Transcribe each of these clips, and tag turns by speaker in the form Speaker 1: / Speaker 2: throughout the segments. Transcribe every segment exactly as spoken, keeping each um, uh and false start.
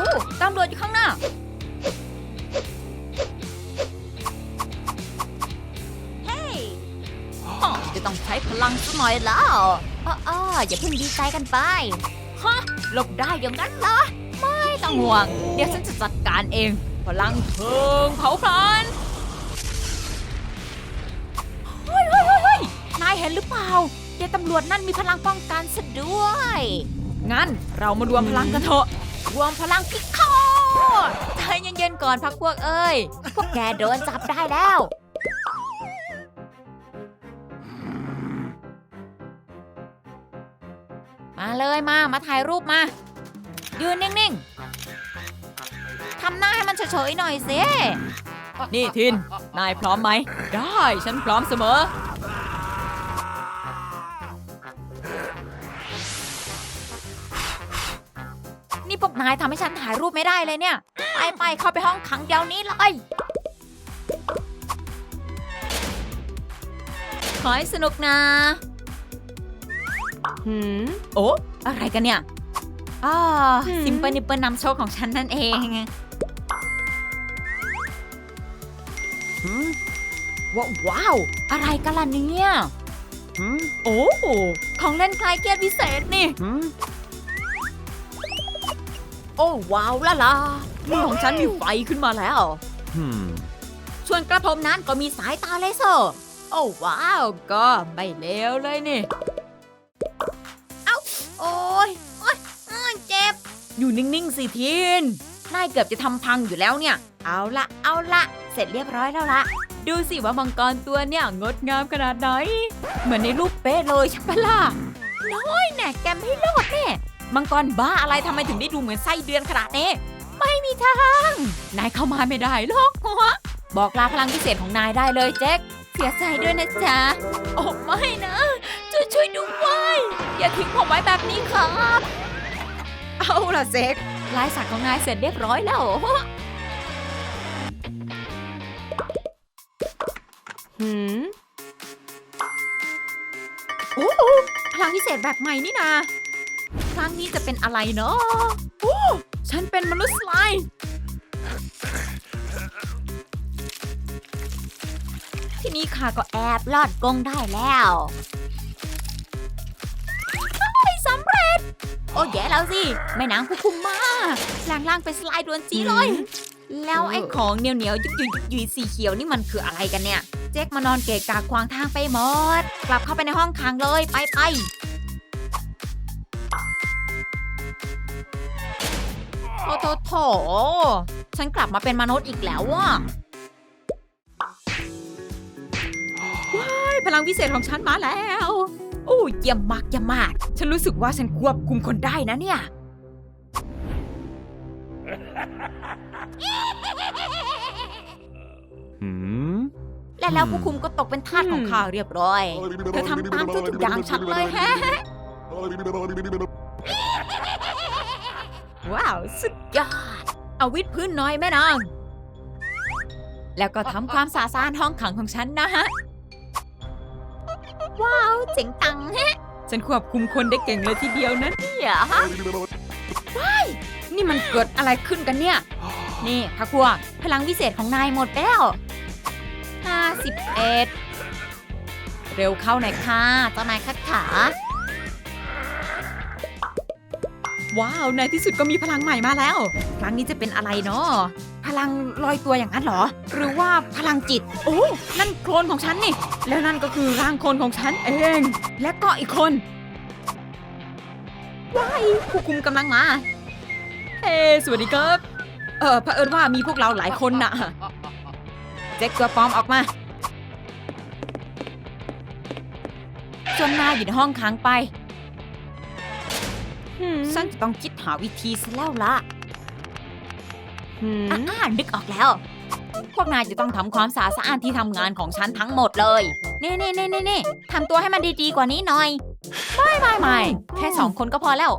Speaker 1: ตำรวจอยู่ข้างหน้าเฮ้ยจะต้องใช้พลังสักหน่อยแล้วอ้ออย่าเพิ่งดีใจกันไปฮะหลบได้อย่างนั้นเหรอไม่ต้องห่วงเดี๋ยวฉันจะจัดการเองพลังเพลิงเผาพลันเฮ้ยเฮ้ยเฮ้ยนายเห็นหรือเปล่าเด็กตำรวจนั่นมีพลังป้องกันซะด้วยงั้นเรามารวมพลังกันเถอะรวมพลังพิฆาตใจเย็นๆก่อนพักพวกเอ้ยพวกแกโดนจับได้แล้วมาเลยมามาถ่ายรูปมายืนนิ่งๆทำหน้าให้มันเฉยๆหน่อยสินี่ทินนายพร้อมไหมได้ฉันพร้อมเสมอนี่พวกนายทำให้ฉันถ่ายรูปไม่ได้เลยเนี่ยไปไปเข้าไปห้องขังเดี๋ยวนี้เลยขอให้สนุกนะหืมโอ้อะไรกันเนี่ยอ๋อซิมเปิลนิปเปิลนำโชคของฉันนั่นเองว้าวว้าวอะไรกันล่ะเนี่ยโอ้ของเล่นคลายเครียดพิเศษนี่โอ้ว้าวล่ะล่ะมือของฉันมีไฟขึ้นมาแล้วส่วนกระผมนั้นก็มีสายตาเลเซอร์โอ้ว้าวก็ไม่เลวเลยนี่เอ้าโอ้ยโอ้ยเจ็บอยู่นิ่งๆสิทีนนายเกือบจะทำพังอยู่แล้วเนี่ยเอาละเอาละเสร็จเรียบร้อยแล้วละดูสิว่ามังกรตัวเนี่ยงดงามขนาดไหนเหมือนในรูปเป๊ะเลยใช่ปะล่ะน้อยแน่แกไม่รอดแน่มังกรบ้าอะไรทำไมถึงได้ดูเหมือนไส้เดือนขนาดนี้ไม่มีทางนายเข้ามาไม่ได้หรอกบอกลาพลังพิเศษของนายได้เลยแจ็คเสียใจด้วยนะจ๊ะโอ้ไม่นะช่วยช่วยด้วยอย่าทิ้งผมไว้แบบนี้ครับเอาล่ะเซ็กลายสักของนายเสร็จเรียบร้อยแล้วหืมโอ้พลังพิเศษแบบใหม่นี่นาครั้งนี้จะเป็นอะไรเนาะโอ้ฉันเป็นมนุษย์สไลม์ทีนี้ข้าก็แอบลอดกรงได้แล้วไม่สำเร็จโอ้แย่แล้วสิแม่นางผู้คุมมาแปลงร่างเป็นสไลด์ดวนจีเลยแล้วไอ้ของเหนียวเหนียวยุยยุยยุยสีเขียวนี่มันคืออะไรกันเนี่ยเจ๊กมานอนเกะกะขวางทางไปหมดกลับเข้าไปในห้องขังเลยไปไปโถโถโถฉันกลับมาเป็นมนุษย์อีกแล้วว่ะว้ายพลังพิเศษของฉันมาแล้วโอ้เยี่ยมมากเยี่ยมมากฉันรู้สึกว่าฉันควบคุมคนได้นะเนี่ยและแล้วผู้คุมก็ตกเป็นทาสของข้าเรียบร้อยเธอทำตามทุกอย่างฉันเลยแฮะว้าวสุดยอดเอาวิดพื้นน้อยแม่นางแล้วก็ทำความสะอาดห้องขังของฉันนะฮะว้าวเจ๋งตังฮะฉันควบคุมคนได้เก่งเลยทีเดียวนะเนี่ยฮะว้ายนี่มันเกิดอะไรขึ้นกันเนี่ยนี่พะพวกพลังวิเศษของนายหมดไปแล้วห้าสิบเอ็ดเร็วเข้าหน่อยค่ะเจ้านายคัดขาว้าวในที่สุดก็มีพลังใหม่มาแล้วครั้งนี้จะเป็นอะไรเนาะพลังลอยตัวอย่างนั้นเหรอหรือว่าพลังจิตโอ้นั่นโคลนของฉันนี่แล้วนั่นก็คือร่างโคลนของฉันเองและก็อีกคนว้ายผู้คุมกำลังมาเฮ้สวัสดีครับเออเผอิญว่ามีพวกเราหลายคนน่ะเจ๊กตัวปลอมออกมาจนนายอยู่ในห้องขังไปฉันจะต้องคิดหาวิธีซะแล้วล่ะอ่านึกออกแล้วพวกนายจะต้องทำความสะอาดสะอ้านที่ทำงานของฉันทั้งหมดเลยเน่เน่เน่เน่เน่ทำตัวให้มันดีๆกว่านี้หน่อยไม่ไม่ไม่แค่สองคนก็พอแล้ว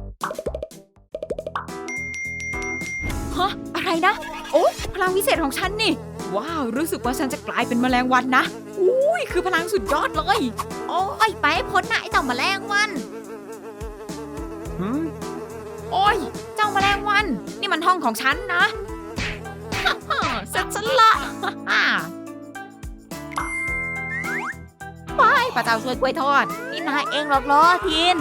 Speaker 1: ฮะอะไรนะโอ้พลังวิเศษของฉันนี่ว้าวรู้สึกว่าฉันจะกลายเป็นแมลงวันนะอุ้ยคือพลังสุดยอดเลยโอ้ยไปพ้นหน้าไอ้เต่าแมลงวันโอ้ยเจ้าแมลงวันนี่มันห้องของฉันนะเสร็จฉันละไปพระเจ้าช่วยกล้วยทอดนี่นายเองหรอกเหรอทิน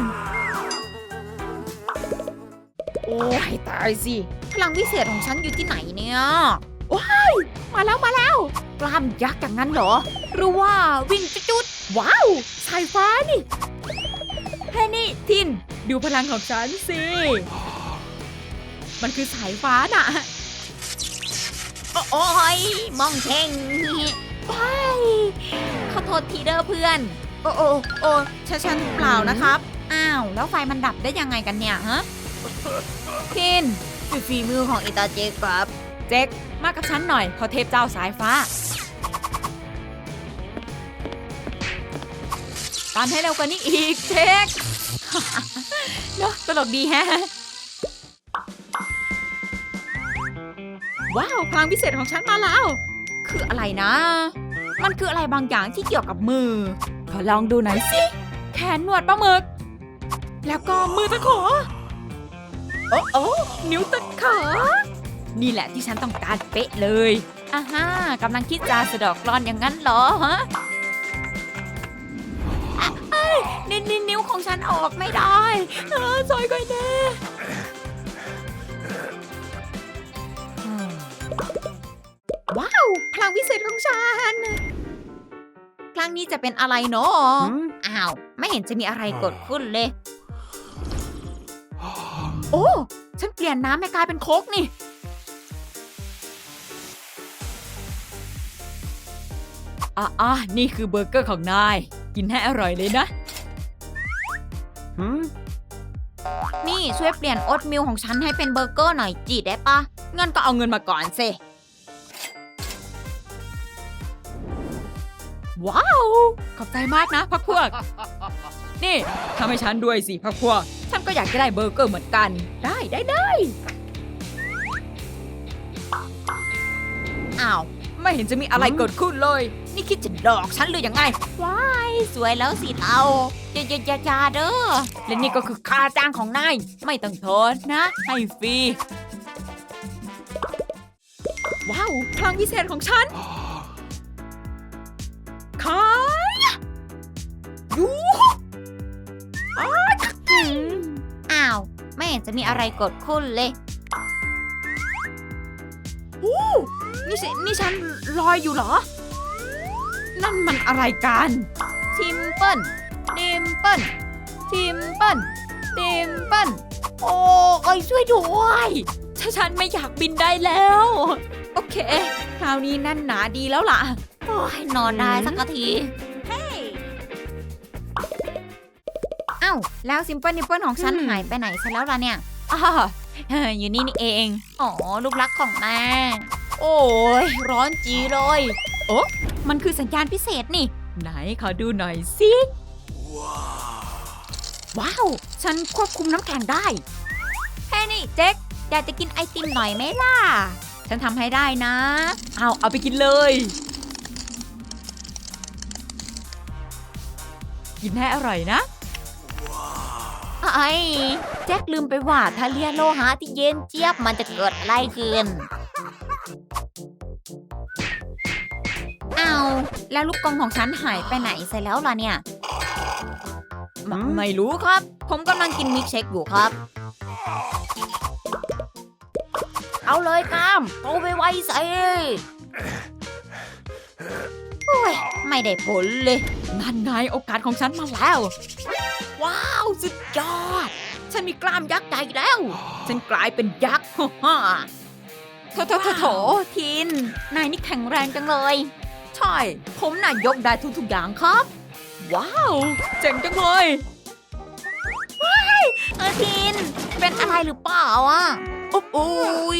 Speaker 1: โอ้ยตายสิพลังวิเศษของฉันอยู่ที่ไหนเนี่ยว้ายมาแล้วมาแล้วกล้ามยักษ์อย่างนั้นเหรอหรือว่าวิ่งจุดๆว้าวสายฟ้านี่เฮ้ยนี่ทินดูพลังของฉันสิมันคือสายฟ้าน่ะโอ้ยมองเท่งไปขอโทษทีเด้อเพื่อนโอ้โอ้โอ้ฉันฉันเปล่านะครับอ้าวแล้วไฟมันดับได้ยังไงกันเนี่ยฮะทินคือฝีมือของอิตาเจคครับเจ๊กมากับฉันหน่อยขอเทพเจ้าสายฟ้าตามให้เร็วกว่านี้อีกเจ๊กเนาะตลกดีแฮะว้าวพลังพิเศษของฉันมาแล้วคืออะไรนะมันคืออะไรบางอย่างที่เกี่ยวกับมือขอลองดูหน่อยสิแขนหนวดปลาหมึกแล้วก็มือตะขอโอ้โอ้นิ้วตะขานี่แหละที่ฉันต้องการเป๊ะเลยอ่าฮะกำลังคิดจะสะดอกกลอนอย่างนั้นเหรอฮะนิ้วนิ้วของฉันออกไม่ได้ซอยก่อยแน่ว้าวพลังวิเศษของฉันครั้งนี้จะเป็นอะไรเนาะอ้าวไม่เห็นจะมีอะไรเกิดขึ้นเลยโอ้ฉันเปลี่ยนน้ำให้กลายเป็นโค้กนี่อ่ะอ่ะนี่คือเบอร์เกอร์ของนายกินให้อร่อยเลยนะนี่ช่วยเปลี่ยนโอ๊ตมิลของฉันให้เป็นเบอร์เกอร์หน่อยจีได้ปะงั้นก็เอาเงินมาก่อนสิว้าวขอบใจมากนะพักพวกนี่ทำให้ฉันด้วยสิพักพวกฉันก็อยากจะได้เบอร์เกอร์เหมือนกันได้ได้ได้อ้าวไม่เห็นจะมีอะไรเกิดขึ้นเลยนี่คิดจะหลอกฉันหรือยังไงว้ายสวยแล้วสิเราอย่าอย่าอย่าอย่าเด้อและนี่ก็คือค่าจ้างของนายไม่ต้องทอนนะให้ฟรีว้าวพลังพิเศษของฉันขายยูอ้าวไม่เห็นจะมีอะไรเกิดขึ้นเลยโอ้นี่สินี่ฉันลอยอยู่เหรอนั่นมันอะไรกันทิมเปิลดิมเปิลทิมเปิลดิมเปิลโอ้ยช่วยด้วยถ้าฉันไม่อยากบินได้แล้วโอเคคราวนี้นั่นหนาดีแล้วล่ะโอ้ยนอนได้สักทีเฮ้ยเอ้าแล้วซิมเปิลนิปเปิลของฉันหายไปไหนซะแล้วล่ะเนี่ยอ๋ออยู่นี่นี่เองอ๋อลูกรักของแม่โอ้ยร้อนจีเลยโอ้มันคือสัญญาณพิเศษนี่ไหนขอดูหน่อยสิว้าวฉันควบคุมน้ำแข็งได้เฮ้ยนี่เจ๊กอยากจะกินไอติมหน่อยไหมล่ะฉันทำให้ได้นะเอาเอาไปกินเลยกินให้อร่อยนะไอ้แจ็คลืมไปว่าถ้าเลียโลหะที่เย็นเจี๊ยบมันจะเกิดอะไรขึ้นอ้าวแล้วลูกกรงของฉันหายไปไหนซะแล้วล่ะเนี่ยไ ม, ไม่รู้ครับผมกำลังกินมิกเชคอยู่ครับเอาเลยกามเอาไปไว้ใส่โอ้ยไม่ได้ผลเลยนั่นไงโอกาสของฉันมาแล้วว้าวสุดยอดฉันมีกล้ามยักษ์ใหญ่แล้วฉันกลายเป็นยักษ์ฮ่าโถโถโถโถทินนายนี่แข็งแรงจังเลยใช่ผมน่ะยกได้ทุกๆอย่างครับว้าวเจ๋งจังเลยว้ายเออทินเป็นอะไรหรือเปล่าอ่ะโอ้ย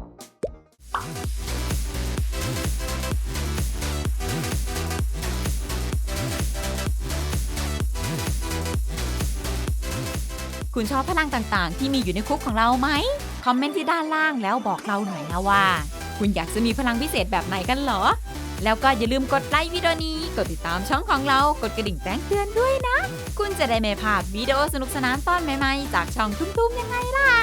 Speaker 1: คุณชอบพลังต่างๆที่มีอยู่ในคุกของเราไหมคอมเมนต์ที่ด้านล่างแล้วบอกเราหน่อยนะว่าคุณอยากจะมีพลังพิเศษแบบไหนกันเหรอแล้วก็อย่าลืมกดไลค์วิดีโอนี้กดติดตามช่องของเรากดกระดิ่งแจ้งเตือนด้วยนะคุณจะได้ไม่พลาดวิดีโอสนุกสนานตอนใหม่ๆจากช่องตุ้มๆยังไงล่ะ